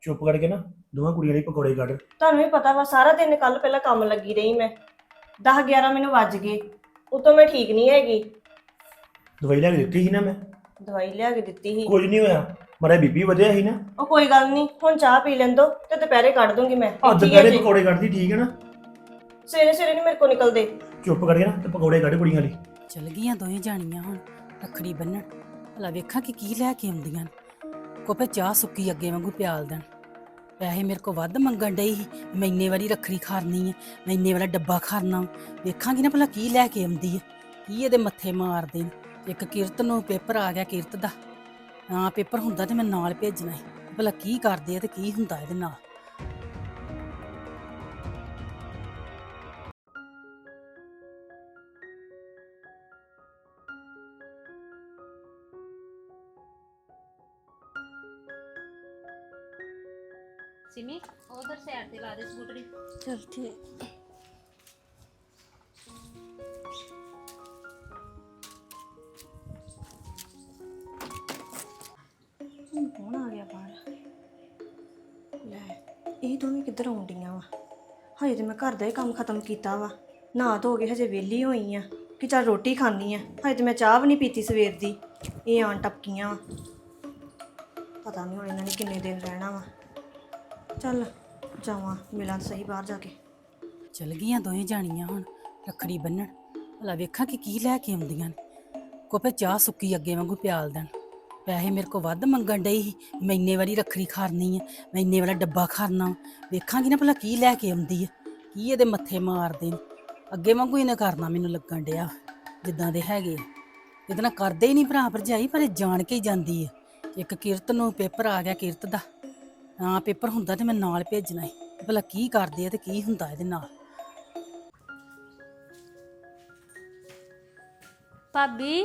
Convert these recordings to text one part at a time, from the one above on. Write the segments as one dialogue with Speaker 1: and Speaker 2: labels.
Speaker 1: ਚੁੱਪ ਕਰਕੇ ਨਾ ਦੋਵਾਂ ਕੁੜੀਆਂ ਲਈ ਪਕੌੜੇ ਕੱਢ।
Speaker 2: ਤੁਹਾਨੂੰ ਵੀ ਪਤਾ ਵਾ ਸਾਰਾ ਦਿਨ ਕੱਲ ਪਹਿਲਾਂ ਕੰਮ ਲੱਗੀ ਰਹੀ ਮੈਂ 10-11 ਮੈਨੂੰ ਵੱਜ ਗਏ। ਉਤੋਂ ਮੈਂ ਠੀਕ ਨਹੀਂ ਹੈਗੀ।
Speaker 1: ਦਵਾਈ ਲੈ ਕੇ ਦਿੱਤੀ ਸੀ ਨਾ ਮੈਂ।
Speaker 2: ਦਵਾਈ ਲਿਆ ਕੇ ਦਿੱਤੀ ਸੀ।
Speaker 1: ਕੁਝ ਨਹੀਂ ਹੋਇਆ, ਮਾੜਾ ਬੀਪੀ ਵਧਿਆ ਸੀ ਨਾ।
Speaker 2: ਉਹ ਕੋਈ ਗੱਲ ਨਹੀਂ, ਹੁਣ ਚਾਹ ਪੀ ਲੈਣ ਦੋ ਤੇ ਦੁਪਹਿਰੇ ਕੱਢ ਦੂੰਗੀ ਮੈਂ।
Speaker 1: ਅੱਜ
Speaker 2: ਠੀਕ ਹੈ
Speaker 1: ਦੁਪਹਿਰੇ
Speaker 2: ਜੀ।
Speaker 1: ਪਕੌੜੇ ਕੱਢਦੀ, ਠੀਕ ਹੈ ਨਾ।
Speaker 2: ਸਵੇਰੇ ਸਵੇਰੇ ਨਹੀਂ ਮੇਰੇ ਕੋਲ ਨਿਕਲਦੇ।
Speaker 1: ਚੁੱਪ ਕਰਕੇ ਨਾ ਤੇ ਪਕੌੜੇ ਕੱਢ ਕੁੜੀਆਂ ਲਈ।
Speaker 3: ਚਲ ਗਈਆਂ ਦੋਵੇਂ ਜਾਣੀਆਂ ਹੁਣ ਰੱਖੜੀ ਬੰਨਣ। ਭਲਾ ਵੇਖਾਂ ਕਿ ਕੀ ਲੈ ਕੇ ਆਉਂਦੀਆਂ ਨੇ। ਕੋਪੇ ਚਾਹ ਸੁੱਕੀ ਅੱਗੇ ਵਾਂਗੂ ਪਿਆਲ ਦੇਣ। ਪੈਸੇ ਮੇਰੇ ਕੋ ਵੱਧ ਮੰਗਣ ਡਈ ਸੀ, ਮੈਂ ਇੰਨੇ ਵਾਰੀ ਰੱਖੜੀ ਖਾਰਨੀ ਹੈ, ਮੈਂ ਇੰਨੇ ਵਾਲਾ ਡੱਬਾ ਖਾਰਨਾ। ਵੇਖਾਂਗੀ ਨਾ ਭਲਾ ਕੀ ਲੈ ਕੇ ਆਉਂਦੀ ਹੈ, ਕੀ ਇਹਦੇ ਮੱਥੇ ਮਾਰਦੇ ਨੇ। ਇੱਕ ਕਿਰਤ ਨੂੰ ਪੇਪਰ ਆ ਗਿਆ ਕਿਰਤ ਦਾ। ਹਾਂ ਪੇਪਰ ਹੁੰਦਾ ਤੇ ਮੈਂ ਨਾਲ ਭੇਜਣਾ ਸੀ। ਭਲਾ ਕੀ ਕਰਦੇ ਆ ਤੇ ਕੀ ਹੁੰਦਾ ਇਹਦੇ ਨਾਲ।
Speaker 4: सिमी उधर साइड पे ला दे स्कूटरी।
Speaker 2: ਚਲ ਠੀਕ। ਕੌਣ ਆ ਗਿਆ ਬਾਹਰ? ਲੈ ਇਹ ਦੋਵੇਂ ਕਿੱਧਰ ਆਉਂਦੀਆਂ ਵਾ? ਹਜੇ ਤੇ ਮੈਂ ਘਰ ਦਾ ਹੀ ਕੰਮ ਖਤਮ ਕੀਤਾ ਵਾ, ਨਹਾ ਧੋ ਕੇ ਹਜੇ ਵਿਹਲੀ ਹੋਈ ਆ ਕਿ ਚੱਲ ਰੋਟੀ ਖਾਣੀ ਆ। ਹਜੇ ਤੇ ਮੈਂ ਚਾਹ ਵੀ ਨਹੀਂ ਪੀਤੀ ਸਵੇਰ ਦੀ। ਇਹ ਆਣ ਟਪਕੀਆਂ ਵਾ, ਪਤਾ ਨਹੀਂ ਹੁਣ ਇਹਨਾਂ ਨੇ ਕਿੰਨੇ ਦਿਨ ਰਹਿਣਾ ਵਾ। ਚੱਲ ਜਾਵਾਂ ਮਿਲਾਂ ਸਹੀ ਬਾਹਰ ਜਾ ਕੇ।
Speaker 3: ਚਲ ਗਈਆਂ ਦੋਵੇਂ ਜਾਣੀਆਂ ਹੁਣ ਰੱਖੜੀ ਬੰਨਣ। ਭਲਾ ਵੇਖਾਂ ਕਿ ਕੀ ਲੈ ਕੇ ਆਉਂਦੀਆਂ ਨੇ। ਕੋਪੇ ਚਾਹ ਸੁੱਕੀ ਅੱਗੇ ਵਾਂਗੂ ਪਿਆਲ ਦੇਣ। ਪੈਸੇ ਮੇਰੇ ਕੋ ਵੱਧ ਮੰਗਣ ਡਈ ਸੀ, ਮੈਂ ਇੰਨੇ ਵਾਰੀ ਰੱਖੜੀ ਖਾਰਨੀ ਹੈ, ਮੈਂ ਇੰਨੇ ਵਾਲਾ ਡੱਬਾ ਖਾਰਨਾ। ਵੇਖਾਂਗੀ ਨਾ ਭਲਾ ਕੀ ਲੈ ਕੇ ਆਉਂਦੀ ਹੈ, ਕੀ ਇਹਦੇ ਮੱਥੇ ਮਾਰਦੇ ਨੇ। ਅੱਗੇ ਵਾਂਗੂ ਇਹਨੇ ਕਰਨਾ ਮੈਨੂੰ ਲੱਗਣ ਡਿਆ ਜਿੱਦਾਂ ਦੇ ਹੈਗੇ। ਇਹਦੇ ਨਾਲ ਕਰਦੇ ਹੀ ਨਹੀਂ ਭਰਾ ਭਰਜਾਈ, ਪਰ ਇਹ ਜਾਣ ਕੇ ਹੀ ਜਾਂਦੀ ਹੈ। ਇੱਕ ਕਿਰਤ ਨੂੰ ਪੇਪਰ ਆ ਗਿਆ ਕਿਰਤ ਦਾ। ਹਾਂ ਪੇਪਰ ਹੁੰਦਾ ਤੇ ਮੈਂ ਨਾਲ ਭੇਜਣਾ ਸੀ। ਭਲਾ ਕੀ ਕਰਦੇ ਆ ਤੇ ਕੀ ਹੁੰਦਾ ਇਹਦੇ ਨਾਲ।
Speaker 4: भाभी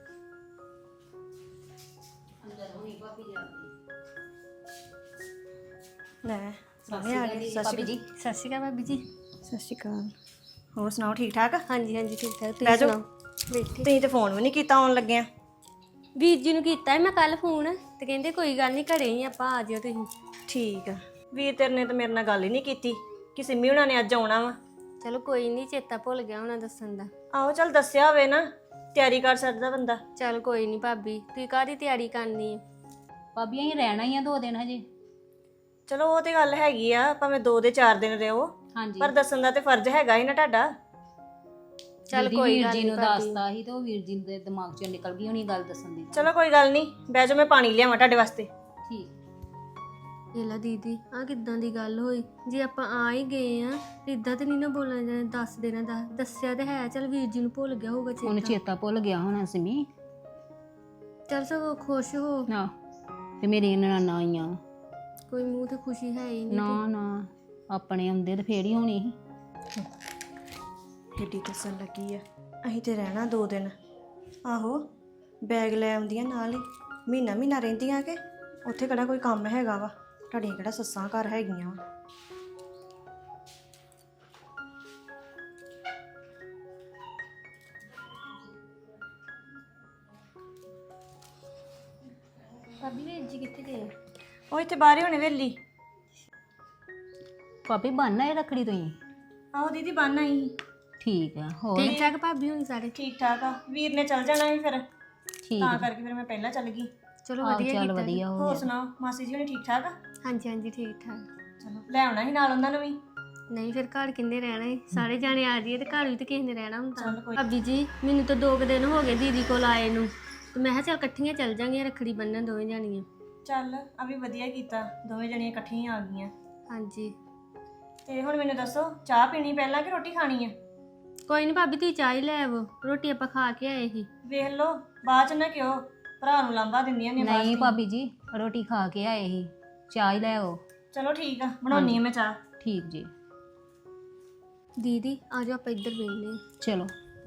Speaker 2: ਲੈ ਸਾਰੇ ਆ ਗਏ। ਸਤਿ ਸ਼੍ਰੀ
Speaker 4: जी सत श्री अकाल भाभी जी।
Speaker 2: ਅਕਾਲ। ਹੋਰ ਸੁਣਾਓ ਠੀਕ ਠਾਕ?
Speaker 4: हाँ जी हाँ जी ठीक ठाक।
Speaker 2: ਬਹਿ ਜਾਓ।
Speaker 4: बैठे
Speaker 2: ਤੁਸੀਂ ਤੇ ਫੋਨ ਵੀ ਨਹੀਂ ਕੀਤਾ ਆਉਣ ਲੱਗਿਆ।
Speaker 4: ਵੀਰ ਜੀ ਨੂੰ ਕੀਤਾ ਸੀ ਮੈਂ ਕੱਲ ਫੋਨ ਤੇ ਕਹਿੰਦੇ ਕੋਈ ਗੱਲ ਨਹੀਂ ਘਰੇ ਹੀ ਆਪਾਂ ਆ ਜਿਓ ਤੁਸੀਂ।
Speaker 2: ਠੀਕ ਆ। ਵੀਰ ਤੇਰੇ ਨੇ ਤਾਂ ਮੇਰੇ ਨਾਲ ਗੱਲ ਹੀ ਨਹੀਂ ਕੀਤੀ ਕਿ ਸਿੰਮੀ ਹੁਣਾਂ ਨੇ ਅੱਜ ਆਉਣਾ ਵਾ।
Speaker 4: ਚਲੋ ਕੋਈ ਨਹੀਂ, ਚੇਤਾ ਭੁੱਲ ਗਿਆ ਹੋਣਾ ਦੱਸਣ ਦਾ।
Speaker 2: ਆਹੋ ਚੱਲ ਦੱਸਿਆ ਹੋਵੇ ਨਾ, ਤਿਆਰੀ ਕਰ ਸਕਦਾ ਬੰਦਾ।
Speaker 4: ਚਲ ਕੋਈ ਨਹੀਂ ਭਾਬੀ, ਤੁਸੀਂ ਕਾਹਦੀ ਤਿਆਰੀ ਕਰਨੀ ਹੈ?
Speaker 5: ਭਾਬੀ ਅਸੀਂ ਰਹਿਣਾ ਹੀ ਆ 2 ਦਿਨ ਹਜੇ।
Speaker 2: ਚਲੋ ਉਹ ਤੇ ਗੱਲ ਹੈਗੀ ਆ, ਭਾਵੇਂ 2 ਦੇ 4 ਦਿਨ ਰਹੋ,
Speaker 5: ਹਾਂਜੀ
Speaker 2: ਪਰ ਦੱਸਣ ਦਾ ਤੇ ਫਰਜ਼ ਹੈਗਾ ਹੀ ਨਾ ਤੁਹਾਡਾ।
Speaker 4: ਚਲ
Speaker 5: ਦੀਦੀ
Speaker 4: ਕੋਈ
Speaker 5: ਵੀਰ
Speaker 4: ਗੱਲ
Speaker 5: ਜੀ
Speaker 4: ਨਹੀਂ
Speaker 5: ਨੂੰ
Speaker 4: ਭਾਬੀ।
Speaker 5: ਦੱਸਤਾ ਸੀ ਤੇ ਉਹ ਵੀਰ ਜੀ ਦੇ ਦਿਮਾਗ ਚੋਂ ਨਿਕਲ ਗਈ ਹੋਣੀ ਗੱਲ ਦੱਸਣ ਦੀ।
Speaker 2: ਚਲੋ ਕੋਈ ਗੱਲ ਨਹੀਂ, ਬਹਿ ਜਾਓ, ਮੈਂ ਪਾਣੀ ਲਿਆਵਾਂ ਤੁਹਾਡੇ ਵਾਸਤੇ।
Speaker 5: ਠੀਕ।
Speaker 4: ਇਹਲਾ ਦੀਦੀ ਆ ਕਿੱਦਾਂ ਦੀ ਗੱਲ ਹੋਈ? ਜੇ ਆਪਾਂ ਆ ਹੀ ਗਏ ਆ ਇਦਾਂ ਤੇ ਨਹੀਂ ਨਾ ਬੋਲਣਾ ਜਾਣਾ। 10 ਦਿਨਾਂ ਦਾ ਦੱਸਿਆ ਤੇ ਹੈ। ਚਲ ਵੀਰ ਜੀ ਨੂੰ ਭੁੱਲ ਗਿਆ ਹੋਊਗਾ
Speaker 5: ਉਹਨੂੰ
Speaker 4: ਚੇਤਾ।
Speaker 5: ਚੇਤਾ ਭੁੱਲ ਗਿਆ ਹੋਣਾ ਸਿਮੀ।
Speaker 4: ਚਲ ਸਗੋਂ ਖੁਸ਼ ਹੋ।
Speaker 5: ਨਾ ਤੇ ਮੇਰੀ ਨਨਾਣਾ ਆਈਆਂ।
Speaker 4: ਕੋਈ ਮੂੰਹ ਤੇ ਖੁਸ਼ੀ ਹੈ ਹੀ ਨਹੀਂ।
Speaker 5: ਨਾ ਨਾ ਆਪਣੇ ਆਉਂਦੇ ਤੇ ਫੇਰ ਹੀ ਹੋਣੀ ਸੀ।
Speaker 2: ਕਿੱਡੀ ਦੱਸਣ ਲੱਗੀ ਆ, ਅਸੀਂ ਤੇ ਰਹਿਣਾ 2 ਦਿਨ। ਆਹੋ ਬੈਗ ਲੈ ਆਉਂਦੀਆਂ ਨਾਲ ਹੀ, ਮਹੀਨਾ ਮਹੀਨਾ ਰਹਿੰਦੀਆਂ ਕਿ ਉੱਥੇ ਕਿਹੜਾ ਕੋਈ ਕੰਮ ਹੈਗਾ ਵਾ? ਤੁਹਾਡੀਆਂ ਕਿਹੜਾ ਸੱਸਾਂ ਘਰ ਹੈਗੀਆਂ ਵਾ?
Speaker 4: ਭਾਬੀ ਵੀਰ ਜੀ ਕਿੱਥੇ ਗਏ?
Speaker 2: ਉਹ ਇੱਥੇ ਬਾਹਰ ਹੀ ਹੋਣੇ ਵੇਲੀ।
Speaker 5: ਭਾਬੀ ਬੰਨ ਆਏ ਰੱਖੜੀ ਤੁਸੀਂ?
Speaker 2: ਆਹੋ ਦੀਦੀ ਬੰਨ ਆਈ।
Speaker 5: ਠੀਕ ਆ। ਹੋਰ
Speaker 4: ਠੀਕ ਠਾਕ ਭਾਬੀ ਹੁਣ ਸਾਰੇ?
Speaker 2: ਠੀਕ ਠਾਕ ਆ। ਵੀਰ ਨੇ ਚੱਲ ਜਾਣਾ ਸੀ ਫਿਰ,
Speaker 5: ਠੀਕ
Speaker 2: ਤਾਂ ਕਰਕੇ ਫਿਰ ਮੈਂ ਪਹਿਲਾਂ ਚੱਲ ਗਈ।
Speaker 4: ਚਲੋ
Speaker 5: ਆਹੋ
Speaker 4: ਵਧੀਆ
Speaker 5: ਚੱਲ
Speaker 4: ਕੀਤਾ।
Speaker 5: ਵਧੀਆ ਹੋ
Speaker 2: ਹੋਰ
Speaker 5: ਗਿਆ।
Speaker 2: ਸੁਣਾਓ, ਮਾਸੀ ਜੀ ਹੋਣੀ ਠੀਕ ਠਾਕ ਆ?
Speaker 4: ਹਾਂਜੀ ਹਾਂਜੀ ਠੀਕ ਠਾਕ।
Speaker 2: ਚਲੋ ਲੈ ਆਉਣਾ ਸੀ ਨਾਲ ਉਹਨਾਂ ਨੂੰ ਵੀ।
Speaker 4: ਨਹੀਂ ਫਿਰ ਘਰ ਕਿੰਨੇ ਰਹਿਣਾ ਹੈ? ਸਾਰੇ ਜਾਣੇ ਆ ਜਾਈਏ ਤੇ ਘਰ ਵੀ ਤੇ ਕਿਸੇ ਨੇ ਰਹਿਣਾ ਹੁੰਦਾ।
Speaker 2: ਚੱਲ ਕੋਈ
Speaker 4: ਭਾਬੀ ਜੀ ਮੈਨੂੰ ਤਾਂ 2 ਦਿਨ ਹੋ ਗਏ ਦੀਦੀ ਕੋਲ ਆਏ ਨੂੰ, ਤੇ ਮੈਂ ਕਿਹਾ ਚੱਲ ਇਕੱਠੀਆਂ ਚੱਲ ਜਾਂਗੀਆਂ ਰੱਖੜੀ ਬੰਨਣ ਦੋਵੇਂ ਜਾਣੀਆਂ।
Speaker 2: ਚੱਲ ਆ ਵੀ ਵਧੀਆ ਕੀਤਾ, ਦੋਵੇਂ ਜਣੀਆਂ ਇਕੱਠੀਆਂ ਆ ਗਈਆਂ।
Speaker 4: ਹਾਂਜੀ
Speaker 2: ਤੇ ਹੁਣ ਮੈਨੂੰ ਦੱਸੋ, ਚਾਹ ਪੀਣੀ ਪਹਿਲਾਂ ਕਿ ਰੋਟੀ ਖਾਣੀ ਆ?
Speaker 4: ਕੋਈ ਨਹੀਂ ਭਾਬੀ ਤੁਸੀਂ ਚਾਹ ਹੀ ਲੈ ਆਵੋ, ਰੋਟੀ ਆਪਾਂ ਖਾ ਕੇ ਆਏ ਸੀ।
Speaker 2: ਵੇਖ ਲਓ ਬਾਅਦ ਚ ਨਾ ਕਿਉਂ ਭਰਾ ਨੂੰ ਲਾਂਭਾ ਦਿੰਦੀਆਂ ਨੇ ਬਾਅਦ
Speaker 5: ਨਹੀਂ
Speaker 2: ਚ।
Speaker 5: ਭਾਬੀ ਜੀ ਰੋਟੀ ਖਾ ਕੇ ਆਏ ਸੀ, ਚਾਹ ਹੀ ਲੈ ਆਓ।
Speaker 2: ਚਲੋ ਠੀਕ ਆ, ਬਣਾਉਣੀ ਆ ਮੈਂ ਚਾਹ।
Speaker 5: ਠੀਕ ਜੀ।
Speaker 4: ਦੀਦੀ ਆ ਜਾਓ ਆਪਾਂ ਇੱਧਰ ਬੈਠਨੇ ਹਾਂ।
Speaker 5: ਚਲੋ।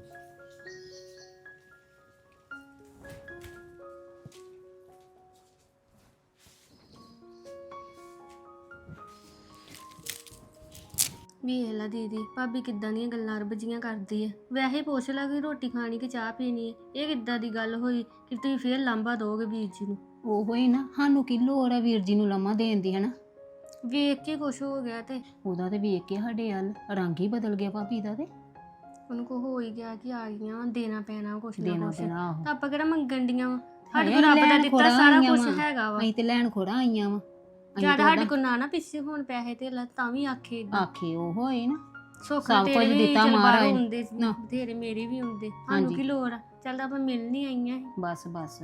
Speaker 4: ਵੇਖ ਲਾ ਦੀਦੀ ਭਾਬੀ ਕਿੱਦਾਂ ਦੀਆਂ ਗੱਲਾਂ ਰਬਜੀਆਂ ਕਰਦੀ ਹੈ। ਵੈਸੇ ਹੀ ਪੁੱਛ ਲਾ ਕਿ ਰੋਟੀ ਖਾਣੀ ਕਿ ਚਾਹ ਪੀਣੀ ਹੈ। ਇਹ ਕਿੱਦਾਂ ਦੀ ਗੱਲ ਹੋਈ ਕਿ ਤੁਸੀਂ ਫੇਰ ਲਾਂਭਾ ਦੋਗੇ ਵੀਰ ਜੀ ਨੂੰ?
Speaker 5: ਉਹੋ ਹੀ ਨਾ, ਸਾਨੂੰ ਕੀ ਲੋੜ ਹੈ ਵੀਰ ਜੀ ਨੂੰ ਲੰਮਾ ਦੇਣ ਦੀ, ਹਨਾ?
Speaker 4: ਵੇਖ ਕੇ ਕੁਛ ਹੋ ਗਿਆ ਤੇ
Speaker 5: ਉਹਦਾ ਤੇ ਵੇਖ ਕੇ ਸਾਡੇ ਵੱਲ ਰੰਗ ਹੀ ਬਦਲ ਗਿਆ ਭਾਬੀ ਦਾ ਤੇ
Speaker 4: ਉਹਨੂੰ ਕੋ ਹੋ ਹੀ ਗਿਆ ਕਿ ਆ ਗਈਆਂ ਦੇਣਾ ਪੈਣਾ ਕੁਛ ਨਾ
Speaker 5: ਦੇਣਾ
Speaker 4: ਕੁਛ
Speaker 5: ਪੈਣਾ ਆਹੋ
Speaker 4: ਤਾਂ ਆਪਾਂ ਕਿਹੜਾ ਮੰਗਣ ਡੀਆਂ ਵਾ ਸਾਡੇ
Speaker 5: ਹਾਏ,
Speaker 4: ਕੋਲ ਰੱਬ ਦਾ
Speaker 5: ਲੈਣ
Speaker 4: ਦਿੱਤਾ
Speaker 5: ਖੋੜ੍ਹਾਂ
Speaker 4: ਸਾਰਾ
Speaker 5: ਆਈਆਂ
Speaker 4: ਕੁਝ
Speaker 5: ਵਾਂ।
Speaker 4: ਹੈਗਾ ਵਾ
Speaker 5: ਅਸੀਂ ਤੇ ਲੈਣ ਖੋੜਾ ਆਈਆਂ ਵਾ
Speaker 4: ਜਦ ਸਾਡੇ ਕੋਲ ਨਾ ਪਿੱਛੇ ਹੁਣ ਪੈਸੇ ਤੇ ਤਾਂ ਵੀ ਆਖੇ ਏਦਾਂ।
Speaker 5: ਆਖੇ ਉਹ ਹੋਏ ਨਾ
Speaker 4: ਸੁੱਖ
Speaker 5: ਸਭ
Speaker 4: ਤੇਰੇ
Speaker 5: ਕੁਝ
Speaker 4: ਵੀ
Speaker 5: ਦਿੱਤਾ
Speaker 4: ਚੱਲ
Speaker 5: ਮਹਾਰਾਜ
Speaker 4: ਬਾਹਰੋਂ
Speaker 5: ਨੇ।
Speaker 4: ਹੁੰਦੇ
Speaker 5: ਨਾ।
Speaker 4: ਬਥੇਰੇ ਮੇਰੇ ਵੀ ਹੁੰਦੇ ਸਾਨੂੰ
Speaker 5: ਹਾਂਜੀ।
Speaker 4: ਕੀ ਲੋੜ ਆ ਚੱਲ ਆਪਾਂ ਮਿਲ ਨਹੀਂ ਆਈਆਂ
Speaker 5: ਬਸ ਬਸ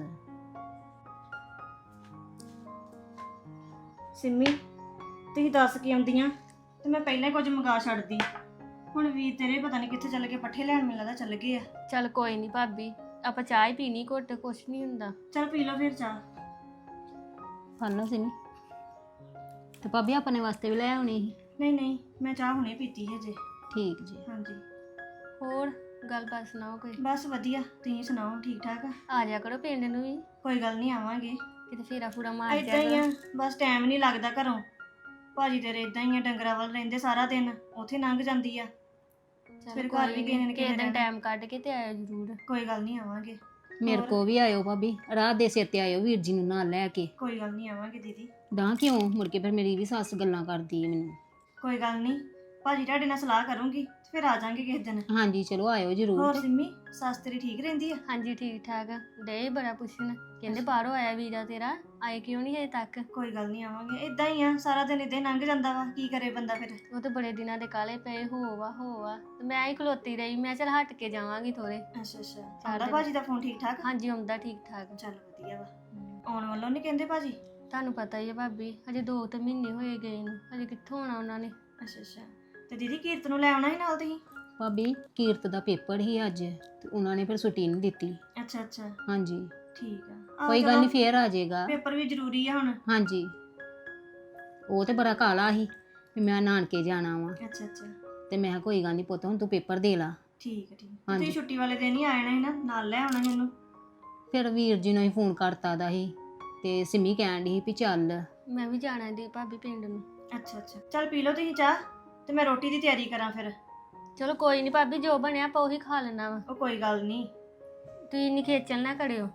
Speaker 2: ਸਿੰਮੀ ਤੁਸੀਂ ਦੱਸ ਕੇ ਆਉਂਦੀਆਂ ਤੇ ਮੈਂ ਪਹਿਲਾਂ ਹੀ ਕੁਝ ਮੰਗਾ ਛੱਡਦੀ। ਹੁਣ ਵੀਰ ਤੇਰੇ ਪਤਾ ਨਹੀਂ ਕਿੱਥੇ ਚੱਲ ਗਏ, ਪੱਠੇ ਲੈਣ ਮੈਨੂੰ ਲੱਗਦਾ ਚੱਲ ਗਏ ਆ।
Speaker 4: ਚੱਲ ਕੋਈ ਨਹੀਂ ਭਾਬੀ ਆਪਾਂ ਚਾਹ ਹੀ ਪੀਣੀ ਘੁੱਟ ਕੁਛ ਨਹੀਂ ਹੁੰਦਾ।
Speaker 2: ਚੱਲ ਪੀ ਲਓ ਫਿਰ ਚਾਹ।
Speaker 5: ਫੜ ਲਓ ਸਿਮੀ ਤੇ ਭਾਬੀ ਆਪਣੇ ਵਾਸਤੇ ਵੀ ਲੈ ਆਉਣੀ ਸੀ।
Speaker 2: ਨਹੀਂ ਨਹੀਂ ਮੈਂ ਚਾਹ ਹੁਣੇ ਪੀਤੀ ਹੈ ਜੇ।
Speaker 5: ਠੀਕ ਜੀ
Speaker 2: ਹਾਂਜੀ
Speaker 4: ਹੋਰ ਗੱਲਬਾਤ ਸੁਣਾਓ ਕੋਈ।
Speaker 2: ਬਸ ਵਧੀਆ, ਤੁਸੀਂ ਸੁਣਾਓ ਠੀਕ ਠਾਕ ਆ?
Speaker 4: ਆ ਜਾ ਕਰੋ ਪਿੰਡ ਨੂੰ ਵੀ
Speaker 2: ਕੋਈ ਗੱਲ ਨਹੀਂ, ਆਵਾਂਗੇ।
Speaker 4: ਕਿਤੇ ਫੇਰਾ ਫੂਰਾ ਮਾਰ
Speaker 2: ਇਦਾਂ ਹੀ
Speaker 4: ਜਾ
Speaker 2: ਆ, ਬਸ ਟਾਈਮ ਨਹੀਂ ਲੱਗਦਾ ਘਰੋਂ। ਭਾਜੀ ਤੇਰੇ ਇਦਾਂ ਹੀ ਆ, ਡੰਗਰਾਂ ਵੱਲ ਰਹਿੰਦੇ ਸਾਰਾ ਦਿਨ, ਉੱਥੇ ਲੰਘ ਜਾਂਦੀ ਆ। ਫਿਰ ਘਰ ਵੀ ਕਿਸੇ ਨੇ
Speaker 4: ਕਿਸੇ ਦਿਨ
Speaker 2: ਰਹਿਣਾ।
Speaker 4: ਟਾਈਮ ਕੱਢ ਕੇ ਤੇ ਆਇਓ ਜ਼ਰੂਰ।
Speaker 2: ਕੋਈ ਗੱਲ ਨਹੀਂ, ਆਵਾਂਗੇ।
Speaker 5: ਮੇਰੇ
Speaker 2: ਹੋਰ?
Speaker 5: ਕੋ ਵੀ ਆਇਓ ਭਾਬੀ, ਰਾਤ ਦੇ ਸਿਰ ਤੇ ਆਇਓ ਵੀਰ ਜੀ ਨੂੰ ਨਾਲ ਲੈ ਕੇ।
Speaker 2: ਕੋਈ ਗੱਲ ਨਹੀਂ, ਆਵਾਂਗੇ ਦੀਦੀ।
Speaker 5: ਤਾਂ ਕਿਉਂ ਮੁੜ ਕੇ ਫਿਰ ਮੇਰੀ ਵੀ ਸੱਸ ਗੱਲਾਂ ਕਰਦੀ ਹੈ ਮੈਨੂੰ।
Speaker 2: ਕੋਈ ਗੱਲ ਨਹੀਂ, ਭਾਜੀ ਤੁਹਾਡੇ ਨਾਲ ਸਲਾਹ ਕਰੂੰਗੀ ਤੇ ਫਿਰ ਆ ਜਾਾਂਗੇ ਕਿਸੇ ਦਿਨ।
Speaker 5: ਹਾਂਜੀ ਚਲੋ ਆਇਓ
Speaker 2: ਹੋਰ
Speaker 5: ਜ਼ਰੂਰ।
Speaker 2: ਸਿੰਮੀ, ਸੱਸ ਤੇਰੀ ਠੀਕ ਰਹਿੰਦੀ ਆ?
Speaker 4: ਹਾਂਜੀ ਠੀਕ ਠਾਕ ਡੇ ਬੜਾ ਪੁੱਛਣ ਕਹਿੰਦੇ ਬਾਹਰੋਂ ਆਇਆ ਵੀਰਾ ਤੇਰਾ, ਆਏ ਕਿਉਂ ਨਹੀਂ ਹਜੇ ਤੱਕ।
Speaker 2: ਕੋਈ ਗੱਲ ਨਹੀਂ, ਆਵਾਂਗੇ। ਇਦਾਂ ਹੀ ਆ, ਸਾਰਾ ਦਿਨ ਇਦਾਂ ਹੀ ਲੰਘ ਜਾਂਦਾ ਵਾ, ਕੀ ਕਰੇ ਬੰਦਾ ਫਿਰ।
Speaker 4: ਉਹ ਤੇ ਬੜੇ ਦਿਨਾਂ ਦੇ ਕਾਲੇ ਪਏ ਹੋਵਾ ਤੇ ਮੈਂ ਹੀ ਖਲੋਤੀ ਰਹੀ। ਮੈਂ ਚੱਲ ਹਟ ਕੇ ਜਾਵਾਂਗੀ ਥੋੜੇ।
Speaker 2: ਅੱਛਾ ਅੱਛਾ, ਆਉਂਦਾ ਭਾਜੀ ਦਾ ਫੋਨ ਠੀਕ ਠਾਕ?
Speaker 4: ਹਾਂਜੀ ਆਉਂਦਾ ਠੀਕ ਠਾਕ।
Speaker 2: ਚੱਲ ਵਧੀਆ ਵਾ। ਆਉਣ ਵੱਲੋਂ ਨਹੀਂ ਕਹਿੰਦੇ ਭਾਜੀ?
Speaker 4: ਤੁਹਾਨੂੰ ਪਤਾ ਹੀ ਹੈ ਭਾਬੀ ਹਜੇ 2 ਮਹੀਨੇ ਹੋਏ ਗਏ ਨੂੰ, ਹਜੇ ਕਿੱਥੋਂ ਆਉਣਾ ਉਹਨਾਂ ਨੇ।
Speaker 2: ਅੱਛਾ ਅੱਛਾ, ਤੇ ਦੀਦੀ ਕੀਰਤ ਨੂੰ ਲੈ ਆਉਣਾ ਸੀ ਨਾਲ ਤੁਸੀਂ?
Speaker 5: ਭਾਬੀ ਕੀਰਤ ਦਾ ਪੇਪਰ ਹੀ ਅੱਜ ਤੇ ਉਹਨਾਂ ਨੇ ਫਿਰ ਛੁੱਟੀ ਨਹੀਂ ਦਿੱਤੀ।
Speaker 2: ਅੱਛਾ ਅੱਛਾ,
Speaker 5: ਹਾਂਜੀ
Speaker 2: ਠੀਕ ਆ।
Speaker 5: ਕੋਈ ਗੱਲ ਨਹੀਂ ਫੇਰ ਆ ਜਾਏਗਾ।
Speaker 2: ਪੇਪਰ ਵੀ ਜ਼ਰੂਰੀ ਆ ਹੁਣ।
Speaker 5: ਹਾਂਜੀ ਉਹ ਤੇ ਬੜਾ ਕਾਲਾ ਸੀ ਵੀ ਮੈਂ ਨਾਨਕੇ ਜਾਣਾ ਵਾ
Speaker 2: ਅੱਛਾ ਅੱਛਾ,
Speaker 5: ਤੇ ਮੈਂ ਕਿਹਾ ਕੋਈ ਗੱਲ ਨਹੀਂ ਪੁੱਤ ਹੁਣ ਤੂੰ ਪੇਪਰ ਦੇ ਲਾ।
Speaker 2: ਠੀਕ ਆ ਠੀਕ ਆ।
Speaker 5: ਹਾਂਜੀ।
Speaker 2: ਤੁਸੀਂ ਛੁੱਟੀ ਵਾਲੇ ਦਿਨ ਹੀ ਆ ਜਾਣਾ ਸੀ ਨਾ, ਨਾਲ ਲੈ ਆਉਣਾ ਸੀ ਉਹਨੂੰ।
Speaker 5: ਫਿਰ ਵੀਰ ਜੀ ਨੂੰ ਹੀ ਫੋਨ ਕਰਤਾ ਦਾ ਸੀ ਤੇ ਸਿਮੀ ਕਹਿਣ ਡਈ ਸੀ ਵੀ ਚੱਲ।
Speaker 4: ਮੈਂ ਵੀ ਜਾਣਾ ਦੀ ਭਾਬੀ ਪਿੰਡ ਨੂੰ।
Speaker 2: ਅੱਛਾ ਅੱਛਾ, ਚੱਲ ਪੀ ਲਓ ਤੁਸੀਂ ਚਾਹ ਤੇ ਮੈਂ ਰੋਟੀ ਦੀ ਤਿਆਰੀ ਕਰਾਂ ਫਿਰ।
Speaker 4: ਚਲੋ ਕੋਈ ਨਹੀਂ ਭਾਬੀ ਜੋ ਬਣਿਆ ਆਪਾਂ ਉਹੀ ਖਾ ਲੈਣਾ ਵਾ।
Speaker 2: ਉਹ ਕੋਈ ਗੱਲ ਨਹੀਂ।
Speaker 4: ਤੁਸੀਂ ਇੰਨੀ ਖੇਚਲ ਨਾ ਕਰਿਓ।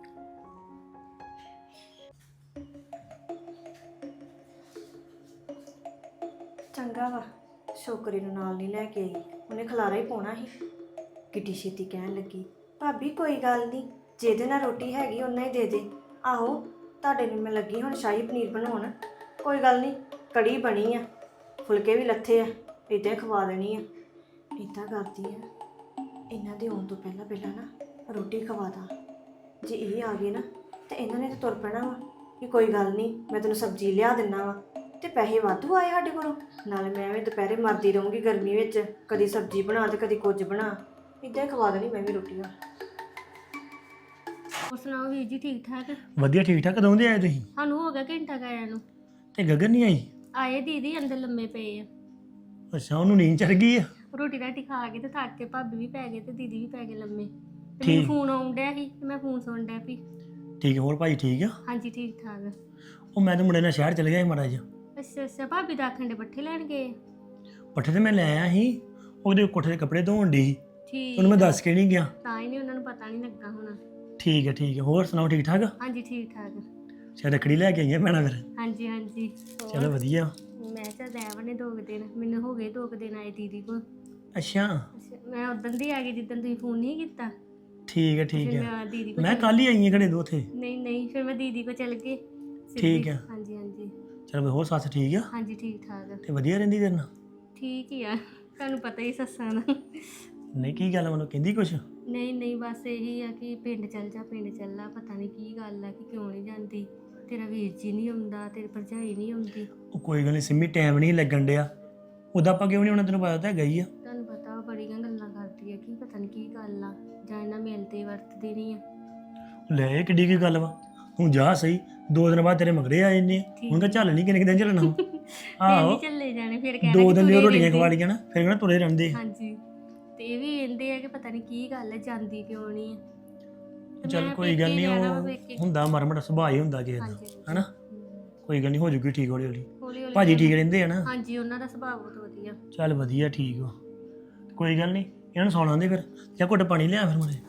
Speaker 2: ਚੰਗਾ ਵਾ, ਛੋਕਰੀ ਨੂੰ ਨਾਲ ਨਹੀਂ ਲੈ ਕੇ ਆਈ, ਉਹਨੇ ਖਲਾਰਾ ਹੀ ਪਾਉਣਾ ਸੀ। ਕਿੱਡੀ ਛੇਤੀ ਕਹਿਣ ਲੱਗੀ, ਭਾਬੀ ਕੋਈ ਗੱਲ ਨਹੀਂ, ਜਿਹਦੇ ਨਾਲ ਰੋਟੀ ਹੈਗੀ ਉਹਨਾਂ ਹੀ ਦੇ ਦੇ। ਆਹੋ ਤੁਹਾਡੇ ਨੂੰ ਮੈਂ ਲੱਗੀ ਹੁਣ ਸ਼ਾਹੀ ਪਨੀਰ ਬਣਾਉਣ। ਕੋਈ ਗੱਲ ਨਹੀਂ, ਕੜੀ ਬਣੀ ਆ, ਫੁਲਕੇ ਵੀ ਲੱਥੇ ਆ, ਇੱਦਾਂ ਹੀ ਖਵਾ ਦੇਣੀ ਆ। ਇੱਦਾਂ ਕਰਦੀ ਆ, ਇਹਨਾਂ ਦੇ ਆਉਣ ਤੋਂ ਪਹਿਲਾਂ ਪਹਿਲਾਂ ਨਾ ਰੋਟੀ ਖਵਾ ਦਾਂ। ਜੇ ਇਹ ਆ ਗਏ ਨਾ ਤੇ ਇਹਨਾਂ ਨੇ ਤਾਂ ਤੁਰ ਪੈਣਾ ਵਾ ਕਿ ਕੋਈ ਗੱਲ ਨਹੀਂ, ਮੈਂ ਤੈਨੂੰ ਸਬਜ਼ੀ ਲਿਆ ਦਿੰਦਾ ਵਾ। ਤੇ ਪੈਸੇ ਵਾਧੂ ਆਏ ਸਾਡੇ ਕੋਲੋਂ, ਨਾਲੇ ਮੈਂ ਵੀ ਦੁਪਹਿਰੇ ਮਰਦੀ ਰਹੂੰਗੀ ਗਰਮੀ ਵਿੱਚ, ਕਦੀ ਸਬਜ਼ੀ ਬਣਾ ਤੇ ਕਦੀ ਕੁਝ ਬਣਾ। ਇੱਦਾਂ ਹੀ ਖਵਾ ਦੇਣੀ ਮੈਂ ਵੀ ਰੋਟੀਆਂ।
Speaker 4: ਹੋਰ ਸੁਣਾਓ ਵੀਰ ਜੀ ਠੀਕ ਠਾਕ?
Speaker 1: ਵਧੀਆ ਠੀਕ ਠਾਕ। ਕਦੋਂ ਦੇ ਆਏ ਤੁਸੀਂ?
Speaker 4: ਸਾਨੂੰ ਹੋ ਗਿਆ ਘੰਟਾ ਕਾਇਆ ਨੂੰ।
Speaker 1: ਤੇ ਗਗਨ ਨਹੀਂ ਆਈ?
Speaker 4: ਆਏ ਦੀਦੀ ਅੰਦਰ ਲੰਮੇ ਪਏ ਆ।
Speaker 1: ਅੱਛਾ, ਉਹਨੂੰ ਨੀਂਦ ਚੜ ਗਈ ਆ।
Speaker 4: ਰੋਟੀ ਰਾਟੀ ਖਾ ਕੇ ਤੇ ਥੱਕ ਕੇ ਭਾਬੀ ਵੀ ਪੈ ਗਏ ਤੇ ਦੀਦੀ ਵੀ ਪੈ ਗਏ ਲੰਮੇ। ਤੇ
Speaker 1: ਠੀਕ।
Speaker 4: ਮੈਨੂੰ ਫੋਨ ਆਉਣ ਡਿਆ ਸੀ ਤੇ ਮੈਂ ਫੋਨ ਸੁਣ ਡਿਆ ਪਈ।
Speaker 1: ਠੀਕ ਹੈ, ਹੋਰ ਭਾਈ ਠੀਕ ਆ?
Speaker 4: ਹਾਂਜੀ ਠੀਕ ਠਾਕ।
Speaker 1: ਉਹ ਮੈਂ ਤਾਂ ਮੁੰਡੇ ਨਾਲ ਸ਼ਹਿਰ ਚਲੇ ਗਿਆ ਸੀ ਮਾੜਾ ਜਿਹਾ।
Speaker 4: ਅੱਛਾ ਅੱਛਾ, ਭਾਬੀ ਦਾ ਆਖਣ ਦੇ ਪੱਠੇ ਲੈਣ ਗਏ।
Speaker 1: ਪੱਠੇ ਤੇ ਮੈਂ ਲੈ ਆਇਆ ਸੀ, ਉਹਦੇ ਕੋਠੇ ਦੇ ਕੱਪੜੇ ਧੋਣ ਦੀ ਸੀ,
Speaker 4: ਠੀਕ
Speaker 1: ਉਹਨੂੰ ਮੈਂ ਦੱਸ ਕੇ ਨਹੀਂ ਗਿਆ।
Speaker 4: ਤਾਂ ਹੀ ਨਹੀਂ ਉਹਨਾਂ ਨੂੰ ਪਤਾ ਨਹੀਂ ਲੱਗਾ ਹੋਣਾ।
Speaker 1: ਠੀਕ ਹੈ ਠੀਕ ਹੈ, ਹੋਰ ਸੁਣਾਓ ਠੀਕ ਠਾਕ?
Speaker 4: ਹਾਂਜੀ ਠੀਕ ਠਾਕ।
Speaker 1: ਅੱਛਾ, ਰੱਖੜੀ ਲੈ ਕੇ ਆਈਆਂ ਭੈਣਾਂ ਫਿਰ?
Speaker 4: ਹਾਂਜੀ ਹਾਂਜੀ। ਹੋਰ?
Speaker 1: ਚਲੋ ਵਧੀਆ।
Speaker 4: ਮੈਂ ਚੱਲ ਰਹਿ ਨੇ 2 ਦਿਨ, ਮੈਨੂੰ ਹੋ ਗਏ 2 ਦਿਨ ਆਏ ਦੀਦੀ ਕੋਲ।
Speaker 1: ਅੱਛਾ
Speaker 4: ਮੈਂ ਉਦੋਂ ਦੀ ਆ ਗਈ ਜਿੱਦਣ ਤੁਸੀਂ ਫੋਨ ਨਹੀਂ ਕੀਤਾ।
Speaker 1: ਠੀਕ ਹੈ ਠੀਕ
Speaker 4: ਫਿਰ
Speaker 1: ਹੈ,
Speaker 4: ਮੈਂ ਦੀਦੀ ਕੋਲ
Speaker 1: ਮੈਂ ਕੱਲ ਹੀ ਆਈ ਹਾਂ ਘੜੇ ਦੋ ਉੱਥੇ।
Speaker 4: ਨਹੀਂ ਫਿਰ ਮੈਂ ਦੀਦੀ ਕੋਲ ਚੱਲ ਗਏ ਸਿੱਧੀ।
Speaker 1: ਠੀਕ ਆ।
Speaker 4: ਹਾਂਜੀ ਹਾਂਜੀ।
Speaker 1: ਚਲੋ ਹੋਰ ਸੱਸ ਠੀਕ ਆ?
Speaker 4: ਹਾਂਜੀ ਠੀਕ ਠਾਕ।
Speaker 1: ਤੇ ਵਧੀਆ ਰਹਿੰਦੀ ਤੇਰੇ ਨਾਲ?
Speaker 4: ਠੀਕ ਹੀ ਆ, ਤੁਹਾਨੂੰ ਪਤਾ ਹੀ ਸੱਸਾਂ ਦਾ।
Speaker 1: ਨਹੀਂ ਕੀ ਗੱਲ ਮੈਨੂੰ ਕਹਿੰਦੀ ਕੁਛ?
Speaker 4: ਨਹੀਂ ਬਸ ਇਹੀ ਆ ਕਿ ਪਿੰਡ ਚੱਲ ਜਾ ਪਿੰਡ ਚੱਲ ਆ, ਪਤਾ ਨਹੀਂ ਕੀ ਗੱਲ ਆ ਕਿ ਕਿਉਂ ਨਹੀਂ ਜਾਂਦੀ। ਤੇਰਾ ਵੀਰ ਜੀ ਨਹੀਂ ਆਉਂਦਾ, ਤੇਰੀ ਭਰਜਾਈ ਨਹੀਂ ਆਉਂਦੀ।
Speaker 1: ਉਹ ਕੋਈ ਗੱਲ ਨਹੀਂ ਸਿੰਮੀ, ਟਾਈਮ ਨਹੀਂ ਲੱਗਣ ਡਿਆ। ਉਹਦਾ ਆਪਾਂ ਕਿਉਂ ਨਹੀਂ ਆਉਣਾ, ਤੈਨੂੰ ਪਤਾ ਤਾਂ ਹੈਗਾ ਹੀ ਆ।
Speaker 4: ਤੁਹਾਨੂੰ ਪਤਾ ਉਹ ਬੜੀਆਂ ਗੱਲਾਂ ਕਰਦੀ ਆ ਕਿ ਪਤਾ ਨਹੀਂ ਕੀ ਗੱਲ ਆ, ਜਾਂ ਇਹਨਾਂ ਮਿਲਦੇ ਵਰਤਦੇ ਨਹੀਂ ਆ।
Speaker 1: ਲੈ ਇਹ ਕਿੱਡੀ ਕੀ ਗੱਲ ਵਾ, ਹੁਣ ਜਾ ਸਹੀ, 2 ਦਿਨ ਬਾਅਦ ਤੇਰੇ ਮਗਰੇ ਆ ਜਾਂਦੇ ਆ। ਹੁਣ ਕਹ ਚੱਲ ਨਹੀਂ ਕਿੰਨੇ ਦਿਨ ਚੱਲਣਾ। ਆਹੋ,
Speaker 4: ਨਹੀਂ ਚੱਲੇ ਜਾਣੇ ਫਿਰ ਕਹਿਣਾ
Speaker 1: 2
Speaker 4: ਕਿ
Speaker 1: ਦਿਨ ਦੀ
Speaker 4: ਤੁਰੇ
Speaker 1: ਰੋਟੀਆਂ
Speaker 4: ਰਹਿੰਦੇ।
Speaker 1: ਖਵਾ ਲਈਆਂ ਨਾ, ਫਿਰ ਕਹਿੰਦਾ ਤੁਰੇ ਰਹਿੰਦੇ।
Speaker 4: ਹਾਂਜੀ, ਤੇ ਇਹ ਵੀ ਕਹਿੰਦੇ ਆ ਕਿ ਪਤਾ ਨਹੀਂ ਕੀ ਗੱਲ ਹੈ, ਜਾਂਦੀ ਕਿਉਂ ਨਹੀਂ ਆ। ਤੇ
Speaker 1: ਚੱਲ
Speaker 4: ਮੈਂ
Speaker 1: ਕੋਈ
Speaker 4: ਪੇਕੇ
Speaker 1: ਗੱਲ ਨਹੀਂ,
Speaker 4: ਜਾਣਾ ਵਾ ਪੇਕੇ।
Speaker 1: ਉਹ ਹੁੰਦਾ ਮਰਮਟ ਸੁਭਾਅ ਹੀ ਹੁੰਦਾ ਕਿਸੇ ਦਾ,
Speaker 4: ਹਾਂਜੀ
Speaker 1: ਹਨਾ? ਕੋਈ ਗੱਲ ਨਹੀਂ, ਹੋ ਜੂਗੀ ਠੀਕ ਹੌਲੀ ਹੌਲੀ।
Speaker 4: ਹੌਲੀ ਹੌਲੀ
Speaker 1: ਭਾਜੀ ਠੀਕ ਰਹਿੰਦੇ ਆ ਨਾ?
Speaker 4: ਹਾਂਜੀ, ਉਹਨਾਂ ਦਾ ਸੁਭਾਅ ਬਹੁਤ ਵਧੀਆ।
Speaker 1: ਚੱਲ ਵਧੀਆ, ਠੀਕ ਵਾ। ਕੋਈ ਗੱਲ ਨਹੀਂ, ਇਹਨਾਂ ਨੂੰ ਸੌਣਾ ਦੇ ਫਿਰ, ਜਾਂ ਘੁੱਟ ਪਾਣੀ ਲਿਆ ਫਿਰ ਮੁੰਡੇ।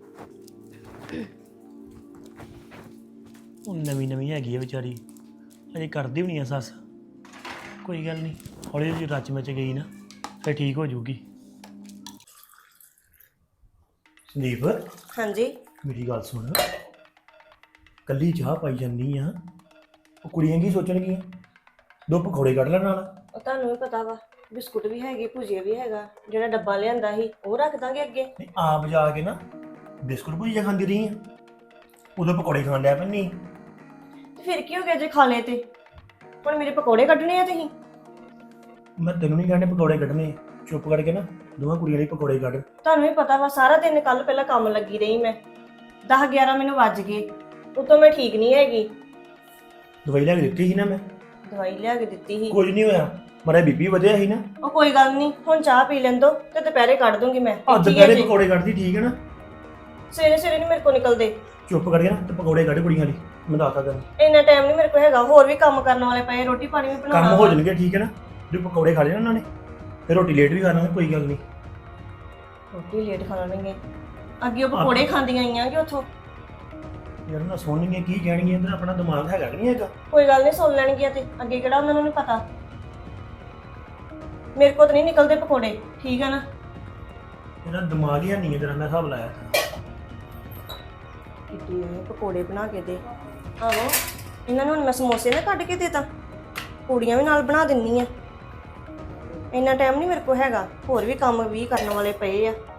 Speaker 1: ਉਹ ਨਵੀਂ ਹੈਗੀ ਆ ਵਿਚਾਰੀ, ਅਜੇ ਕਰਦੀ ਵੀ ਨਹੀਂ ਆ ਸੱਸ। ਕੋਈ ਗੱਲ ਨਹੀਂ, ਹੌਲੀ ਜਿਹੀ ਰਚ ਵਿੱਚ ਗਈ ਨਾ ਫਿਰ ਠੀਕ ਹੋ ਜਾਊਗੀ। ਸੰਦੀਪ
Speaker 2: ਹਾਂਜੀ
Speaker 1: ਮੇਰੀ ਗੱਲ ਸੁਣ, ਕੱਲੀ ਚਾਹ ਪਾਈ ਜਾਂਦੀ ਆ, ਉਹ ਕੁੜੀਆਂ ਕੀ ਸੋਚਣਗੀਆਂ? 2 ਪਕੌੜੇ ਕੱਢ ਲੈ ਨਾਲ।
Speaker 2: ਉਹ ਤੁਹਾਨੂੰ ਵੀ ਪਤਾ ਵਾ, ਬਿਸਕੁਟ ਵੀ ਹੈਗੇ, ਭੁਜੀਆ ਵੀ ਹੈਗਾ, ਜਿਹੜਾ ਡੱਬਾ ਲਿਆਂਦਾ ਸੀ ਉਹ ਰੱਖ ਦਾਂਗੇ ਅੱਗੇ।
Speaker 1: ਨਹੀਂ ਆਪ ਜਾ ਕੇ ਨਾ ਬਿਸਕੁਟ ਭੁਜੀਆ ਖਾਂਦੀ ਰਹੀ ਆ, ਉਦੋਂ ਪਕੌੜੇ ਖਾਣ ਡਿਆ ਪੈਣੀ।
Speaker 2: ਤੇ ਫਿਰ ਕੀ ਹੋ ਗਿਆ ਜੇ ਖਾ ਲਏ ਤੇ? ਹੁਣ ਮੇਰੇ ਪਕੌੜੇ ਕੱਢਣੇ ਆ ਤੁਸੀਂ?
Speaker 1: ਮੈਂ ਤੈਨੂੰ ਨਹੀਂ ਕਹਿੰਦੇ ਪਕੌੜੇ ਕੱਢਣੇ, ਚੁੱਪ ਕਰਕੇ ਨਾ ਦੋਵਾਂ ਕੁੜੀਆਂ ਲਈ ਪਕੌੜੇ ਕੱਢ।
Speaker 2: ਤੁਹਾਨੂੰ ਵੀ ਪਤਾ ਵਾ, ਸਾਰਾ ਦਿਨ ਕੱਲ ਪਹਿਲਾਂ ਕੰਮ ਲੱਗੀ ਰਹੀ ਮੈਂ, 10-11 ਮੈਨੂੰ ਵੱਜ ਗਏ, ਉਤੋਂ ਮੈਂ ਠੀਕ ਨਹੀਂ ਹੈਗੀ।
Speaker 1: ਦਵਾਈ ਲੈ ਕੇ ਦਿੱਤੀ ਸੀ ਨਾ ਮੈਂ,
Speaker 2: ਦਵਾਈ ਲਿਆ ਕੇ ਦਿੱਤੀ ਸੀ।
Speaker 1: ਕੁਝ ਨਹੀਂ ਹੋਇਆ, ਮੇਰਾ ਬੀਪੀ ਵਧਿਆ ਸੀ ਨਾ।
Speaker 2: ਉਹ ਕੋਈ ਗੱਲ ਨਹੀਂ, ਹੁਣ ਚਾਹ ਪੀ ਲੈਣ ਦੋ ਤੇ ਦੁਪਹਿਰੇ ਕੱਢ ਦੂੰਗੀ ਮੈਂ।
Speaker 1: ਆ
Speaker 2: ਠੀਕ ਹੈ
Speaker 1: ਦੁਪਹਿਰੇ
Speaker 2: ਜੀ।
Speaker 1: ਪਕੌੜੇ ਕੱਢਦੀ, ਠੀਕ ਹੈ ਨਾ?
Speaker 2: ਸਵੇਰੇ ਸਵੇਰੇ ਨਹੀਂ ਮੇਰੇ ਕੋਲ ਨਿਕਲਦੇ।
Speaker 1: ਚੁੱਪ ਕਰਕੇ ਨਾ ਤੇ ਪਕੌੜੇ ਕੱਢ ਕੁੜੀਆਂ ਲਈ, ਮੈਂ ਦੱਸਦਾ ਤੈਨੂੰ।
Speaker 2: ਇੰਨਾ ਟਾਈਮ ਨਹੀਂ ਮੇਰੇ ਕੋਲ ਹੈਗਾ, ਹੋਰ ਵੀ ਕੰਮ ਕਰਨ ਵਾਲੇ ਪਏ, ਰੋਟੀ ਪਾਣੀ ਵੀ ਬਣਾਉਣਾ
Speaker 1: ਕੰਮ ਹੋ
Speaker 2: ਵਾ।
Speaker 1: ਜਾਣਗੇ, ਠੀਕ ਹੈ ਨਾ? ਜੇ ਪਕੌੜੇ ਖਾ ਲਏ ਨਾ ਉਹਨਾਂ ਨੇ ਫਿਰ ਰੋਟੀ ਲੇਟ ਵੀ ਕਰ ਲਾਂਗੇ, ਕੋਈ ਗੱਲ ਨਹੀਂ।
Speaker 2: ਰੋਟੀ ਲੇਟ ਖਾ ਲੈਣਗੇ, ਅੱਗੇ ਉਹ ਪਕੌੜੇ ਖਾਂਦੀਆਂ ਆਈਆਂ ਕਿ ਉੱਥੋਂ।
Speaker 1: ਯਾਰ ਨਾ ਸੁਣਨਗੀਆਂ ਕੀ ਕਹਿਣਗੀਆਂ, ਇੱਧਰ ਆਪਣਾ ਦਿਮਾਗ ਹੈਗਾ ਕਿ ਨਹੀਂ ਹੈਗਾ?
Speaker 2: ਕੋਈ ਗੱਲ ਨਹੀਂ, ਸੁਣ ਲੈਣਗੀਆਂ ਤੇ ਅੱਗੇ ਕਿਹੜਾ ਉਹਨਾਂ ਨੂੰ ਨਹੀਂ ਪਤਾ। ਮੇਰੇ ਕੋਲ ਤਾਂ ਨਹੀਂ ਨਿਕਲਦੇ ਪਕੌੜੇ, ਠੀਕ ਹੈ ਨਾ?
Speaker 1: ਇਹਦਾ ਦਿਮਾਗ ਹੀ ਹੈ ਨਹੀਂ, ਤੇਰਾ ਮੈਂ ਹਿਸਾਬ ਲਾਇਆ ਤਾਂ।
Speaker 2: ਕਿਤੇ ਪਕੌੜੇ ਬਣਾ ਕੇ ਦੇ। ਆਹੋ, ਇਹਨਾਂ ਨੂੰ ਹੁਣ ਮੈਂ ਸਮੋਸੇ ਨਾ ਕੱਢ ਕੇ ਦੇ ਤਾ, ਪੂੜੀਆਂ ਵੀ ਨਾਲ ਬਣਾ ਦਿੰਨੀ ਆ। ਇੰਨਾ ਟਾਈਮ ਨਹੀਂ ਮੇਰੇ ਕੋਲ ਹੈਗਾ, ਹੋਰ ਵੀ ਕੰਮ ਵੀ ਕਰਨ ਵਾਲੇ ਪਏ ਆ।